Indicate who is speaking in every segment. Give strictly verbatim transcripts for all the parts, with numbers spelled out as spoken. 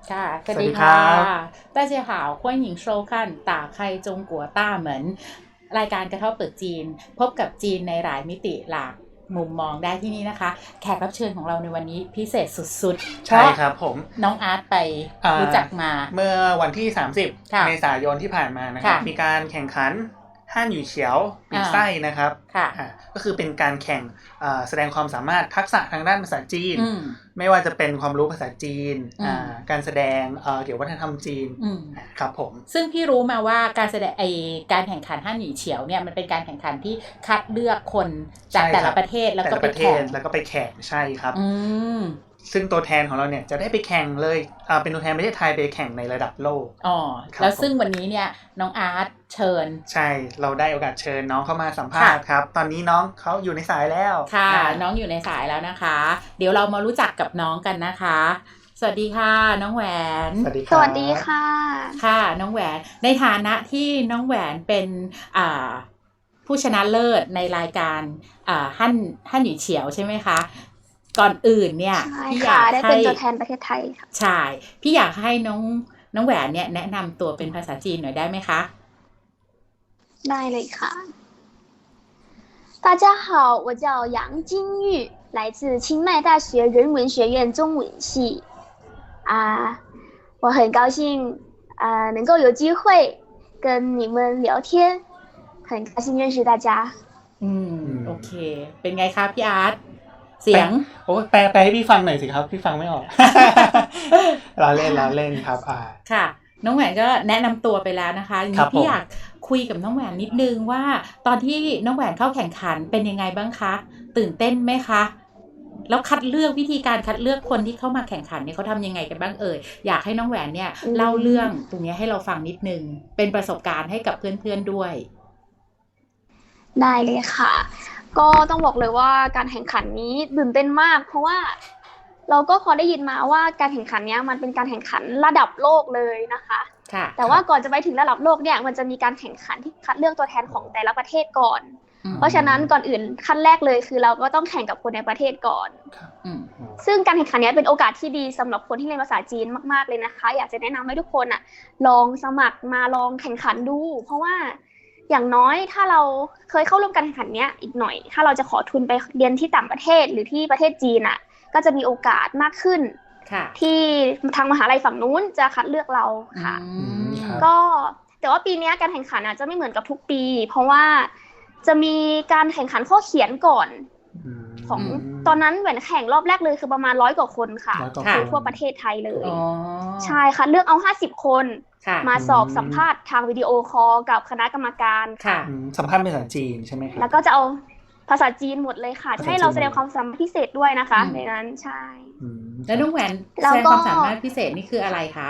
Speaker 1: ค่ะสวัส
Speaker 2: สวัสดีค
Speaker 1: ดีค่ะ
Speaker 2: รับ
Speaker 1: 大家好欢迎收看打开中国大门รายการกระเท่าเปิดจีนพบกับจีนในหลายมิติหลากมุมมองได้ที่นี่นะคะแขกรับเชิญของเราในวันนี้พิเศษสุดๆเพ
Speaker 2: ใช่
Speaker 1: ราะ
Speaker 2: ครับผม
Speaker 1: น้องอาร์ตไป
Speaker 2: อ่า
Speaker 1: รู้จักมา
Speaker 2: เมื่อวันที่สามสิบ
Speaker 1: ค่ะ
Speaker 2: เมษายนที่ผ่านมานะครับ
Speaker 1: ค่ะ
Speaker 2: มีการแข่งขันฮั่นหยู่เฉียวปี
Speaker 1: อ่า
Speaker 2: ไส้นะครับ
Speaker 1: ค่ะ
Speaker 2: อ่าก็คือเป็นการแข่งอ่าแสดงความสามารถทักษะทางด้านภาษาจีน
Speaker 1: อืม
Speaker 2: ไม่ว่าจะเป็นความรู้ภาษาจีน
Speaker 1: อืม
Speaker 2: อ่าการแสดงเอ่อเกี่ยวกับวัฒนธรรมจีน
Speaker 1: อืม
Speaker 2: ครับผม
Speaker 1: ซึ่งพี่รู้มาว่าการแสดงไอการแข่งขันฮั่นหยี่เฉียวเนี่ยมันเป็นการแข่งขันที่คัดเลือกคนจาก
Speaker 2: ใช่
Speaker 1: แต่
Speaker 2: ครั
Speaker 1: ละ
Speaker 2: บ
Speaker 1: ประเทศแล้ว
Speaker 2: แต่
Speaker 1: ก็
Speaker 2: ละ
Speaker 1: ไป
Speaker 2: ประเท
Speaker 1: แข่
Speaker 2: ศ
Speaker 1: ง
Speaker 2: แล้วก็ไปแข่งใช่ครับ
Speaker 1: อืม
Speaker 2: ซึ่งตัวแทนของเราเนี่ยจะได้ไปแข่งเลยอ่าเป็นตัวแทนประเทศไทยไปแข่งในระดับโลก
Speaker 1: อ๋อ
Speaker 2: ครับ
Speaker 1: แล้วซึ่งวันนี้เนี่ยน้องอาร์ตเชิญ
Speaker 2: ใช่เราได้โอกาสเชิญน้องเข้ามาสัมภาษณ์
Speaker 1: ค่ะ
Speaker 2: ครับ ตอนนี้น้องเขาอยู่ในสายแล้ว
Speaker 1: ค่ะ
Speaker 2: อ่า
Speaker 1: น้องอยู่ในสายแล้วนะคะ เดี๋ยวเรามารู้จักกับน้องกันนะคะ สวัสดีค่ะ น้องแหวน
Speaker 2: สวัสดีค
Speaker 3: ส
Speaker 2: รับ
Speaker 3: วัสดีค่ะ
Speaker 1: ค่ะ น้องแหวน ในฐานะที่น้องแหวนเป็นอ่าผู้ชนะเลิศในรายการอ่าฮั่นฮั่นหยี่เฉียวใช่ไหมคะ ก่อนอื่นเนี่ย
Speaker 3: ใช่
Speaker 1: พี่อ
Speaker 3: ค่ะ
Speaker 1: ยาก
Speaker 3: ได้
Speaker 1: ให้
Speaker 3: เป็นตัวแทนประเทศไทยค่ะ
Speaker 1: ใช่พี่อยากให้น้องน้องแหวนเนี่ยแนะนำตัวเป็นภาษาจีนหน่อยได้ไหมคะ
Speaker 3: ได้เลยค่ะ大家好，我叫杨金玉，来自清迈大学人文学院中文系。啊，我很高兴啊能够有机会跟你们聊天，很高兴认识大家。
Speaker 1: อืม
Speaker 2: อืม
Speaker 1: โอเค เป็นไงคะพี่อาร์ตเสียง
Speaker 2: โอ้แปลแปลให้พี่ฟังหน่อยสิครับ พี่ฟังไม่ออก เราเล่นเราเล่นครับอ่า
Speaker 1: ค่ะ น้องแหวนก็แนะนำตัวไปแล้วนะคะที
Speaker 2: ครั
Speaker 1: นี้
Speaker 2: บผม
Speaker 1: พี่อยากคุยกับน้องแหวนนิดนึงว่า ตอนที่น้องแหวนเข้าแข่งขันเป็นยังไงบ้างคะ ตื่นเต้นไหมคะ แล้วคัดเลือกวิธีการคัดเลือกคนที่เข้ามาแข่งขันเนี่ยเขาทำยังไงกันบ้างเอ่ยอยากให้น้องแหวนเนี่ย
Speaker 3: อืม
Speaker 1: เล่าเรื่องตรงนี้ให้เราฟังนิดนึงเป็นประสบการณ์ให้กับเพื่อนๆด้วย
Speaker 3: ได้เลยค่ะ ก็ต้องบอกเลยว่าการแข่งขันนี้ตื่นเต้นมาก เพราะว่าเราก็พอได้ยินมาว่าการแข่งขันเนี้ยมันเป็นการแข่งขันระดับโลกเลยนะคะ
Speaker 1: ค่ะ
Speaker 3: แต่ว่าก่อนจะไปถึงระดับโลกเนี่ยมันจะมีการแข่งขันที่คัดเลือกตัวแทนของแต่ละประเทศก่อน
Speaker 1: อืม
Speaker 3: เพราะฉะนั้นก่อนอื่นขั้นแรกเลยคือเราก็ต้องแข่งกับคนในประเทศก่อน
Speaker 1: อืม
Speaker 3: ซึ่งการแข่งขันเนี้ยเป็นโอกาสที่ดีสำหรับคนที่เรียนภาษาจีนมากๆเลยนะคะ อยากจะแนะนำให้ทุกคนอ่ะลองสมัครมาลองแข่งขันดู เพราะว่าอย่างน้อยถ้าเราเคยเข้าร่วมการแข่งขันเนี้ยอีกหน่อย ถ้าเราจะขอทุนไปเรียนที่ต่างประเทศหรือที่ประเทศจีนอ่ะก็จะมีโอกาสมากขึ้น
Speaker 1: ค่ะ
Speaker 3: ที่ทางมหาลัยฝั่งนู้นจะคัดเลือกเราค่ะ
Speaker 1: อืม
Speaker 2: ครับ
Speaker 3: ก็แต่ว่าปีเนี้ยการแข่งขันอาจจะไม่เหมือนกับทุกปี เพราะว่าจะมีการแข่งขันข้อเขียนก่อน
Speaker 2: อืม
Speaker 3: ของตอนนั้นเหมือนแข่งรอบแรกเลยคือประมาณร้อยกว่าคนค่ะ
Speaker 2: ร้อยกว่า
Speaker 3: คือ
Speaker 2: คน
Speaker 3: ทั่วประเทศไทยเลย
Speaker 1: อ๋อ
Speaker 3: ใช่ค่ะเลือกเอาห้าสิบคน
Speaker 1: ค่ะ
Speaker 3: มาสอบสัมภาษณ์ทางวิดีโอคอลกับคณะกรรมการ
Speaker 1: ค่ะ
Speaker 2: อืมสัมภาษณ์เป็นภาษาจีนใช่ไหมครับ
Speaker 3: แล้วก็จะเอาภาษาจีนหมดเลยค่ะ
Speaker 2: ภาษา
Speaker 3: จะให้เรา
Speaker 2: จีน
Speaker 3: แสดงความสามารถพิเศษด้วยนะคะ
Speaker 1: อืม
Speaker 3: ในนั้นใช่
Speaker 2: อืม
Speaker 1: แล้วน้องแหวน
Speaker 3: แล้
Speaker 1: แส
Speaker 3: ว
Speaker 1: ดง
Speaker 3: ก็
Speaker 1: ความสามารถพิเศษนี่คืออะไรคะ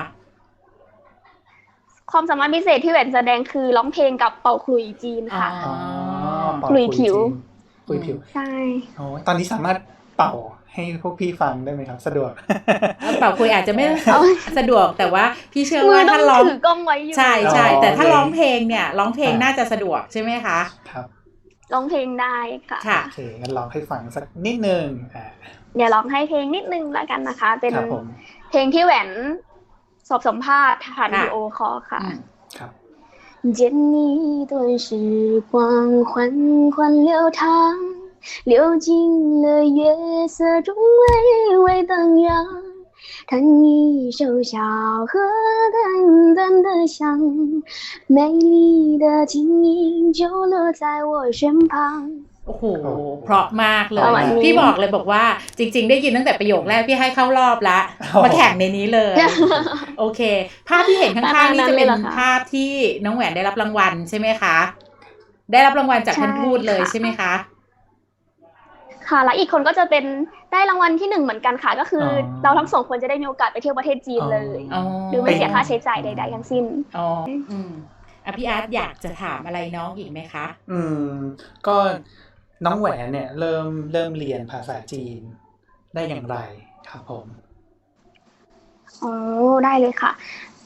Speaker 3: ความสามารถพิเศษที่แหวนแสดงคือร้องเพลงกับเป่าขลุ่ยจีนค่ะ
Speaker 2: อ๋อเป่า
Speaker 3: ขลุ่ยผิว
Speaker 2: ขลุ่ยผิว
Speaker 3: ใช่
Speaker 2: โอ้ยตอนนี้สามารถเป่าให้พวกพี่ฟังได้ไหมครับ สะดวก
Speaker 1: เป่าคุยอาจจะไม่
Speaker 3: เอา
Speaker 1: สะดวกแต่ว่าพี่เชื่อ
Speaker 3: มือ
Speaker 1: ว่า
Speaker 3: ต้อ
Speaker 1: ถ้าง ร้อง
Speaker 3: ถือกล้องไว้อยู่
Speaker 1: ใช่ใช่
Speaker 2: อ๋อ
Speaker 1: แต่ถ้า
Speaker 2: โอเค
Speaker 1: ร้องเพลงเนี่ยร้องเพลง
Speaker 2: อ่า
Speaker 1: น่าจะสะดวกใช่ไหมคะ
Speaker 2: ครับ
Speaker 3: ร้องเพลงได้ค่ะ
Speaker 1: ค่ะ
Speaker 2: โอเคงั้นลองให้ฟังสักนิดนึงอ่า
Speaker 3: เดี๋ยวร้องให้เพลงนิดนึงแล้วกันนะคะ เป็น
Speaker 2: ครับผม
Speaker 3: เพลงที่แหวนสอบสัมภาษณ์ผ่าน
Speaker 1: ค่ะ
Speaker 3: วิดีโอคอลค่ะ
Speaker 1: อืม
Speaker 2: ครับ
Speaker 3: 见你一段时光缓缓流淌，流进了月色中微微荡漾。弹一首小河淡淡的香，美丽的琴音就落在我身旁。
Speaker 1: โอ้โหเพราะมากเลย
Speaker 3: ประมาณนี้
Speaker 1: พี่บอกเลยบอกว่าจริง ๆ ได้ยินตั้งแต่ประโยคแรกพี่ให้เข้ารอบละ
Speaker 2: โอ้
Speaker 1: มาแข่งในนี้เลย โอเค ภาพที่เห็นข้างๆนี่จะเป็น
Speaker 3: ขนาดนั้นเลยเหรอคะ
Speaker 1: ภาพที่น้องแหวนได้รับรางวัลใช่ไหมคะ ได้รับรางวัลจากท่าน
Speaker 3: ใช่
Speaker 1: ทูตเลย
Speaker 3: ค่ะ
Speaker 1: ใช่ไหมคะ
Speaker 3: ค่ะแล้วอีกคนก็จะเป็นได้รางวัลที่หนึ่งเหมือนกันค่ะ ก็คืออ
Speaker 2: อ
Speaker 3: เราทั้งสองคนจะได้มีโอกาสไปเที่ยวประเทศจีนเลย
Speaker 1: อ๋อ
Speaker 3: โดยไม่เสียค่าใช้จ่ายใดๆทั้งสิ้น
Speaker 1: อ๋ออืมอ่ะพี่อาร์ตอยากจะถามอะไรน้องอีกไหมคะ
Speaker 2: อืมก็น้องแหวนเนี่ยเริ่มเริ่มเรียนภาษาจีนได้อย่างไรครับผม
Speaker 3: อ๋อได้เลยค่ะ ต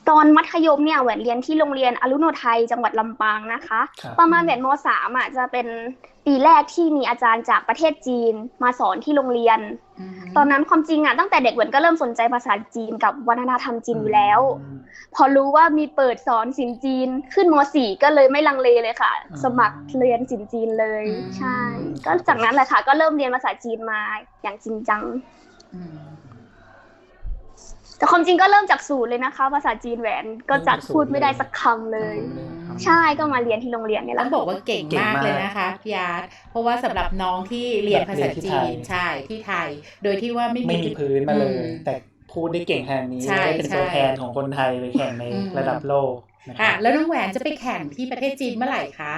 Speaker 3: ตอนมัธยมเนี่ยแหวนเรียนที่โรงเรียนอรุโนไทยจังหวัดลำปางนะคะ
Speaker 2: ครับ
Speaker 3: ประมาณแหวนม.สาม อ่ะจะเป็นปีแรกที่มีอาจารย์จากประเทศจีนมาสอนที่โรงเรียน
Speaker 1: อืม
Speaker 3: ตอนนั้นความจริงอ่ะตั้งแต่เด็กแหวนก็เริ่มสนใจภาษาจีนกับวัฒนธรรมจีนอยู่แล้ว พอรู้ว่ามีเปิดสอนศิลป์จีนขึ้นม.สี่ ก็เลยไม่ลังเลเลยค่ะ
Speaker 2: อืม
Speaker 3: สมัครเรียนศิลป์จีนเลย
Speaker 1: อืม
Speaker 3: ใช่ ก็จากนั้นแหละค่ะก็เริ่มเรียนภาษาจีนมาอย่างจริงจัง
Speaker 1: อืม
Speaker 3: แต่ความจริงก็เริ่มจากศูนย์เลยนะคะ ภาษาจีนแหวนก็จะพูดไม่ได้สักคำเลย ใช่ก็มาเรียนที่โรงเรียนนี่แห
Speaker 1: ต้อ
Speaker 3: ละ
Speaker 1: งบอกว่าเก่ง
Speaker 2: เก่ง
Speaker 1: มาก
Speaker 2: มาก
Speaker 1: เลยนะคะพี่อาร์ตเพราะว่าสำหรับน้องที่เรียนภาษาจีนใช่ที่ไทย โดยที่ว่าไม่
Speaker 2: ไม่มีพื้นมาเลย
Speaker 1: อืม
Speaker 2: แต่พูดได้เก่งขนาดนี้
Speaker 1: ใช่
Speaker 2: ได้เป็น
Speaker 1: ใช่
Speaker 2: ตัวแทนของคนไทยไปแข่งใน
Speaker 1: อืม
Speaker 2: ระดับโลกนะค
Speaker 1: ค่ะ
Speaker 2: รับ
Speaker 1: แล้วน้องแหวนจะไปแข่งที่ประเทศจีนเมื่อไหร่คะ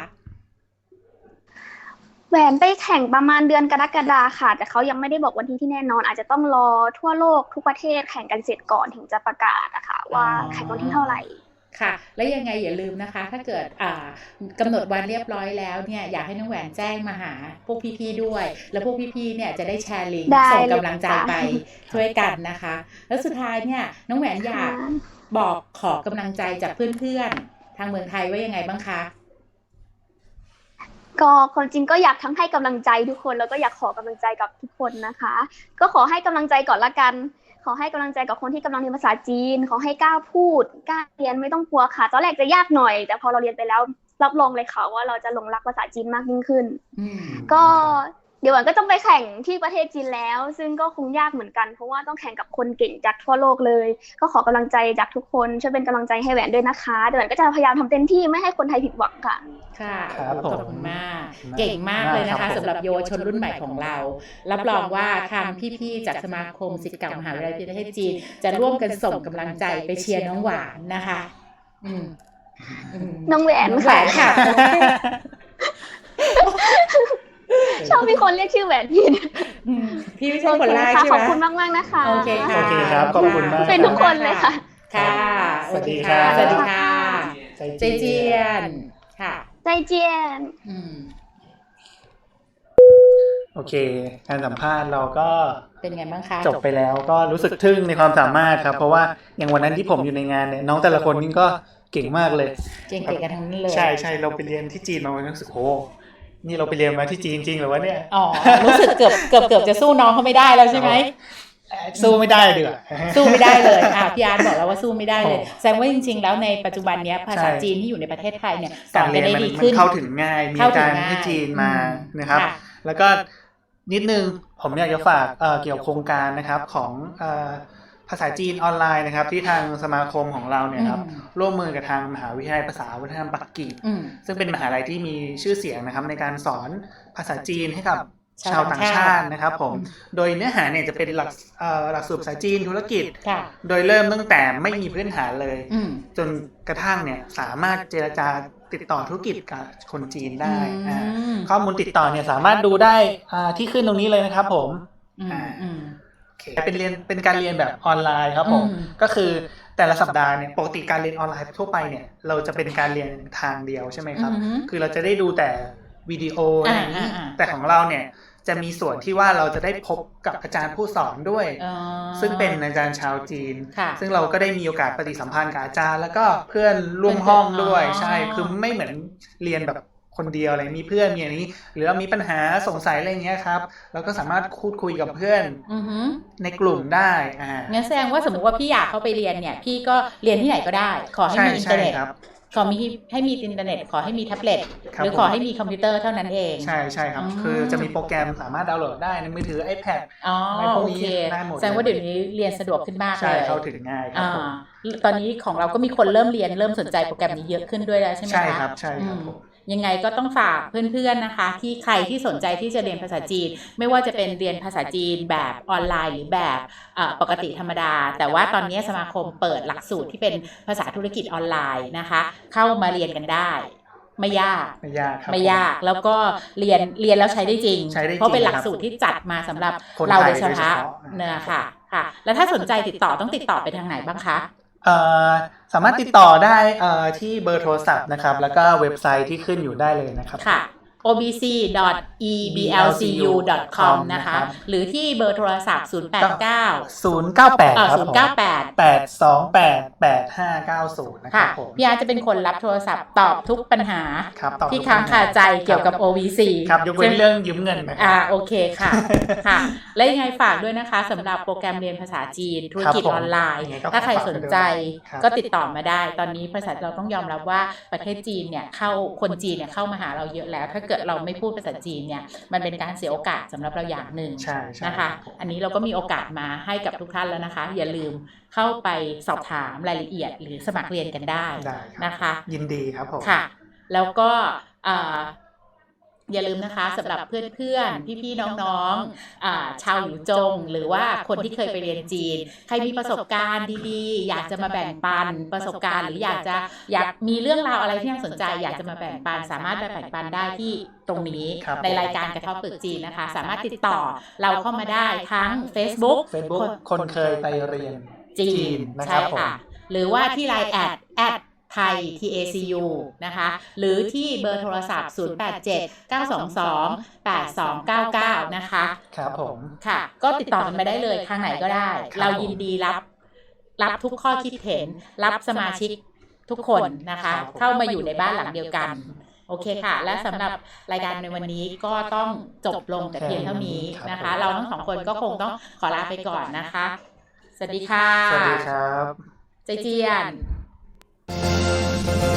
Speaker 3: แหวนไปแข่งประมาณเดือนกรกฎาค่ะ แต่เขายังไม่ได้บอกวันที่ที่แน่นอน อาจจะต้องรอทั่วโลกทุกประเทศแข่งกันเสร็จก่อนถึงจะประกาศนะคะว่า
Speaker 1: อ๋อ
Speaker 3: แข่งวันที่เท่าไหร่
Speaker 1: ค่ะ และยังไงอย่าลืมนะคะ ถ้าเกิดอ่ากำหนดวันเรียบร้อยแล้วเนี่ยอยากให้น้องแหวนแจ้งมาหาพวกพี่ๆด้วย แล้วพวกพี่ๆเนี่ยจะได้แชร์ลิงก์
Speaker 3: ได้
Speaker 1: ส่ง
Speaker 3: เลย
Speaker 1: กำลังใจ
Speaker 3: ค่ะ
Speaker 1: ไปช่วยกันนะคะ แล้วสุดท้ายเนี่ยน้องแหวนอยากบอกขอกำลังใจจากเพื่อนๆทางเมืองไทยว่ายังไงบ้างคะ
Speaker 3: ก็ความจริงก็อยากทั้งให้กำลังใจทุกคนแล้วก็อยากขอกำลังใจกับทุกคนนะคะ ก็ขอให้กำลังใจก่อนละกัน ขอให้กำลังใจกับคนที่กำลังเรียนภาษาจีน ขอให้กล้าพูดกล้าเรียนไม่ต้องกลัวค่ะตอนแรกจะยากหน่อย แต่พอเราเรียนไปแล้วรับรองเลยค่ะว่าเราจะหลงรักภาษาจีนมากยิ่งขึ้น
Speaker 1: อืม
Speaker 3: ก็เดี๋ยวหวันก็ต้องไปแข่งที่ประเทศจีนแล้ว ซึ่งก็คงยากเหมือนกันเพราะว่าต้องแข่งกับคนเก่งจากทั่วโลกเลย ก็ขอกำลังใจจากทุกคนช่วยเป็นกำลังใจให้แหวนด้วยนะคะเดี๋ยวแหวนก็จะพยายามทำเต็มที่ไม่ให้คนไทยผิดหวังค่ะ
Speaker 1: ค่ะ
Speaker 2: ครับ
Speaker 1: ขอบ
Speaker 2: ผม
Speaker 1: คุณมาก เก่งมากเลยนะ
Speaker 2: ครั
Speaker 1: คะ
Speaker 2: บผม
Speaker 1: สำหรับเยาวชนรุ่นใหม่ของเรา รับรองว่าทางพี่ๆจากสมาคมศิษย์เก่ามหาวิทยาลัยประเทศจีน จะร่วมกันส่งกำลังใจไปเชียร์น้องหวานนะคะ อืมอืม
Speaker 3: น้องแหวน
Speaker 1: น้องแหวนค่ะ
Speaker 3: ชอบมีคนเรียกชื่อแหวนผิด
Speaker 1: อืมพี่ไม่ใช่คนแรก
Speaker 3: โอ
Speaker 1: ใช่
Speaker 3: เค
Speaker 1: ไหม
Speaker 3: ค่ะขอบคุณมากๆนะคะ
Speaker 1: โอเคค่ะ
Speaker 2: โอเคครับขอบคุณมาก
Speaker 3: เป็นทุกคนเลยค่ะ
Speaker 1: ค่ะ
Speaker 2: สวัสดีครับ
Speaker 1: สวัสดีค่ะ
Speaker 2: ใจ
Speaker 1: เจเจียนค่ะ
Speaker 3: ใจเจียน
Speaker 1: อืม
Speaker 2: โอเค การสัมภาษณ์เราก็
Speaker 1: เป็นไงบ้างคะ
Speaker 2: จบไปแล้วก็รู้สึกทึ่งในความสามารถครับ เพราะว่าอย่างวันนั้นที่ผมอยู่ในงานเนี่ยน้องแต่ละคนนี่ก็เก่งมากเลย
Speaker 1: เก่งๆกันทั้งนั้นเลย
Speaker 2: ใช่ใช่เราไปเรียนที่จีนมาวันนั้นรู้สึกโอ้นี่เราไปเรียนมาที่จีนจริงเหรือวะเนี่ย
Speaker 1: อ๋อ รู้สึกเกือบเกือบเกือบจะสู้น้องเขาไม่ได้แล้วใช่ไหม
Speaker 2: สู้ไม่ได้ดีกว่า
Speaker 1: สู้ไม่ได้เลยอ่ะพี่อาร์ตบอกแล้วว่าสู้ไม่ได้เลย
Speaker 2: อ๋อ
Speaker 1: แสดงว่าจริงๆ แล้วในปัจจุบันเนี้ยภาษา
Speaker 2: ใช่
Speaker 1: จีนที่อยู่ในประเทศไทยเนี่ยส
Speaker 2: กา
Speaker 1: อ
Speaker 2: ร
Speaker 1: น
Speaker 2: เรี
Speaker 1: กั
Speaker 2: ย
Speaker 1: น
Speaker 2: น
Speaker 1: ได้
Speaker 2: มัน
Speaker 1: ดี
Speaker 2: มั
Speaker 1: ขึ้
Speaker 2: น
Speaker 1: น
Speaker 2: เข้าถึงง่าย มี
Speaker 1: เข้าถึ
Speaker 2: กาง ร
Speaker 1: ง่าย
Speaker 2: ให้จีนมา
Speaker 1: อืม
Speaker 2: นะครับ
Speaker 1: ค่ะ
Speaker 2: แล้วก็นิดนึงผมอยากจะฝากเอ่อเกี่ยวกับโครงการนะครับของเอ่อภาษาจีนออนไลน์นะครับ ที่ทางสมาคมของเราเนี่ยครับ
Speaker 1: อืม
Speaker 2: ร่วมมือกับทางมหาวิทยาลัยภาษาวัฒนธรรมปักกิ่ง
Speaker 1: อืม
Speaker 2: ซึ่งเป็นมหาลัยที่มีชื่อเสียงนะครับในการสอนภาษาจีนให้กับ
Speaker 1: ชา
Speaker 2: ชาว ว
Speaker 1: ต่า
Speaker 2: ต่าง ง
Speaker 1: ชา
Speaker 2: ชา
Speaker 1: ติ
Speaker 2: ตินะครับผม โดยเนื้อหาเนี่ยจะเป็นหลักเอ่อหลักสูตรภาษาจีนธุรกิจ
Speaker 1: ค่ะ
Speaker 2: โดยเริ่มตั้งแต่ไม่มีพื้นฐานเลย
Speaker 1: อืม
Speaker 2: จนกระทั่งเนี่ยสามารถเจรจาติดต่อธุรกิจกับคนจีนได้อ่า
Speaker 1: อืม
Speaker 2: ข้อมูลติดต่อเนี่ยสามารถดูได้อ่าที่ขึ้นตรงนี้เลยนะครับผม
Speaker 1: อืมอืม
Speaker 2: โอเคเป็นเรียนเป็นการเรียนแบบออนไลน์ครับผม
Speaker 1: อืม
Speaker 2: ก็คือแต่ละสัปดาห์เนี่ยปกติการเรียนออนไลน์ทั่วไปเนี่ยเราจะเป็นการเรียนทางเดียวใช่ไหมครับ
Speaker 1: อืม
Speaker 2: คือเราจะได้ดูแต่วิดีโออะไรอย่างนี้
Speaker 1: อ่าอ่าอ่า
Speaker 2: แต่ของเราเนี่ยจะมีส่วนที่ว่าเราจะได้พบกับอาจารย์ผู้สอนด้วย
Speaker 1: อ๋อ
Speaker 2: ซึ่งเป็นอาจารย์ชาวจีน
Speaker 1: ค่ะ
Speaker 2: ซึ่งเราก็ได้มีโอกาสปฏิสัมพันธ์กับอาจารย์ แล้วก็เพื่อนร่วมห้องด้วย
Speaker 1: อ๋อ
Speaker 2: ใช่คือไม่เหมือนเรียนแบบคนเดียวอะไรมีเพื่อนมีอย่างนี้ หรือว่ามีปัญหาสงสัยอะไรอย่างเงี้ยครับเราก็สามารถพูดคุยกับเพื่อน
Speaker 1: อือหือ
Speaker 2: ในกลุ่มได้อ่า
Speaker 1: งั้นแสดงว่าสมมติว่าพี่อยากเข้าไปเรียนเนี่ย พี่ก็เรียนที่ไหนก็ได้ ขอให้
Speaker 2: ใช่
Speaker 1: มีอินเทอ
Speaker 2: ใช่
Speaker 1: ร์เน็ต
Speaker 2: ครับ
Speaker 1: ขอมีให้มีอินเทอร์เน็ต ขอให้มีแท็บเล็ต
Speaker 2: ครับ
Speaker 1: หรือขอให้มีคอมพิวเตอร์เท่านั้นเอง
Speaker 2: ใช่ใช่ครับ
Speaker 1: อ๋อ
Speaker 2: คือจะมีโปรแกรมสามารถดาวน์โหลดได้ในมือถือ iPad
Speaker 1: อ๋อ
Speaker 2: อะไรพวก
Speaker 1: โอ
Speaker 2: นี้
Speaker 1: เค
Speaker 2: ได้หมด
Speaker 1: แสดงว่าเดี๋ยวนี้เรียนสะดวกขึ้นมากเล
Speaker 2: ใช่
Speaker 1: ย
Speaker 2: เข้าถึงง่ายครับ
Speaker 1: อ่า
Speaker 2: ผม
Speaker 1: ตอนนี้ของเราก็มีคนเริ่มเรียนเริ่มสนใจโปรแกรมนี้เยอะขึ้นด้วยแล้วใช่ไหมคะ
Speaker 2: ใช่ครับใช่ครับ
Speaker 1: อืม
Speaker 2: ผม
Speaker 1: ยังไงก็ต้องฝากเพื่อนๆนะคะ ที่ใครที่สนใจที่จะเรียนภาษาจีน ไม่ว่าจะเป็นเรียนภาษาจีนแบบออนไลน์หรือแบบเอ่อปกติธรรมดา แต่ว่าตอนนี้สมาคมเปิดหลักสูตรที่เป็นภาษาธุรกิจออนไลน์นะคะ เข้ามาเรียนกันได้ ไม่ยาก
Speaker 2: ไม่ยากครับ
Speaker 1: ไม่ยากแล้วก็เรียนเรียนแล้วใช้ได้จริง
Speaker 2: ใช้ได้จริง
Speaker 1: เพราะเป็นหลักสูตรที่จัดมาสำหรับ
Speaker 2: คน
Speaker 1: เรา
Speaker 2: ไท
Speaker 1: โด
Speaker 2: ย
Speaker 1: ยเฉ
Speaker 2: โดยเฉ
Speaker 1: พาะ
Speaker 2: พาะ
Speaker 1: เนี่ยค่ะค่ะ แล้วถ้าสนใจติดต่อต้องติดต่อไปทางไหนบ้างคะ
Speaker 2: เอ่อสามารถติดต่อได้เอ่อที่เบอร์โทรศัพท์นะครับ แล้วก็เว็บไซต์ที่ขึ้นอยู่ได้เลยนะครับ
Speaker 1: ค่ะโอ บี ซี ดอท อี บี แอล ซี ยู ดอท คอม นะคะ หรือที่เบอร์โทรศัพท์ ศูนย์ แปด เก้า
Speaker 2: ศูนย์ เก้า แปด
Speaker 1: เอ่อ
Speaker 2: ครับ
Speaker 1: ศูน
Speaker 2: ผ
Speaker 1: ย์
Speaker 2: ม
Speaker 1: เก้า แปด
Speaker 2: แปด สอง แปด แปด ห้า เก้า ศูนย์ นะครั
Speaker 1: ค่ะ
Speaker 2: บผม
Speaker 1: พี่อาร์ตจะเป็นคนรับโทรศัพท์ตอบทุกปัญหา
Speaker 2: ครับตอบ
Speaker 1: ที่
Speaker 2: ทุก
Speaker 1: ค้าง
Speaker 2: ปัญห
Speaker 1: คาใจเกี่ยวกับ โอ วี ซี
Speaker 2: ครับยกเว้นเรื่องยืมเงินนะค
Speaker 1: อ่า
Speaker 2: รับ
Speaker 1: โอเคค่ะ ค่ะ และยังไงฝากด้วยนะคะสำหรับโปรแกรมเรียนภาษาจีนธุรกิจ
Speaker 2: ครับผม
Speaker 1: ออนไลน์
Speaker 2: ยังไงก็
Speaker 1: ถ้าใครสนใจ
Speaker 2: ครับ
Speaker 1: ก็ติดต่อมาได้ ตอนนี้ภาษาเราต้องยอมรับว่าประเทศจีนเนี่ยเข้าคนจีนเนี่ยเข้ามาหาเราเยอะแล้ว ถ้าเกิดเราไม่พูดภาษาจีนเนี่ยมันเป็นการเสียโอกาสสำหรับเราอย่างหนึ่ง
Speaker 2: ใช่ใช่
Speaker 1: นะคะ อันนี้เราก็มีโอกาสมาให้กับทุกท่านแล้วนะคะ อย่าลืมเข้าไปสอบถามรายละเอียดหรือสมัครเรียนกันได้
Speaker 2: ได้ครับ
Speaker 1: นะคะ
Speaker 2: ยินดีครับผม
Speaker 1: ค่ะ แล้วก็อ่าอย่าลืมนะคะสำหรับเพื่อนๆ พี่ๆ น้องๆอ่าชาวหยูจง หรือว่าคนที่เคยไปเรียนจีน ใครมีประสบการณ์ดีๆ อยากจะมาแบ่งปันประสบการณ์ หรืออยากจะอยากมีเรื่องราวอะไรที่น่าสนใจ อยากจะมาแบ่งปัน สามารถไปแบ่งปันได้ที่ตรงนี้
Speaker 2: ครับ
Speaker 1: ในรายการกระเทาะปึกจีนนะคะ สามารถติดต่อเราเข้ามาได้ทั้ง Facebook
Speaker 2: Facebook คนเคยไปเรียน
Speaker 1: จี
Speaker 2: จี
Speaker 1: น
Speaker 2: นนะค
Speaker 1: ใช่
Speaker 2: รับผม
Speaker 1: ค่ะ หรือว่าที่ไลน์แอดแอดไทย ที เอ ซี ยู นะคะ หรือที่เบอร์โทรศัพท์ ศูนย์ แปด เจ็ด เก้า สอง สอง แปด สอง เก้า เก้า นะคะ
Speaker 2: ครับผม
Speaker 1: ค่ะ ก็ติดต่อกันไปได้เลยทางไหนก็ได้
Speaker 2: ครับ
Speaker 1: เรายินดีรับ รับทุกข้อคิดเห็น รับสมาชิกทุกคนนะคะ เข้ามาอยู่ในบ้านหลังเดียวกัน โอเคค่ะ และสำหรับรายการในวันนี้ก็ต้องจบลงแต่เพียงเท่านี้นะคะ เราทั้งสองคนก็คงต้องขอลาไปก่อนนะคะ สวัสดีค่ะ
Speaker 2: สวัสดีครับ
Speaker 1: ใจเจียน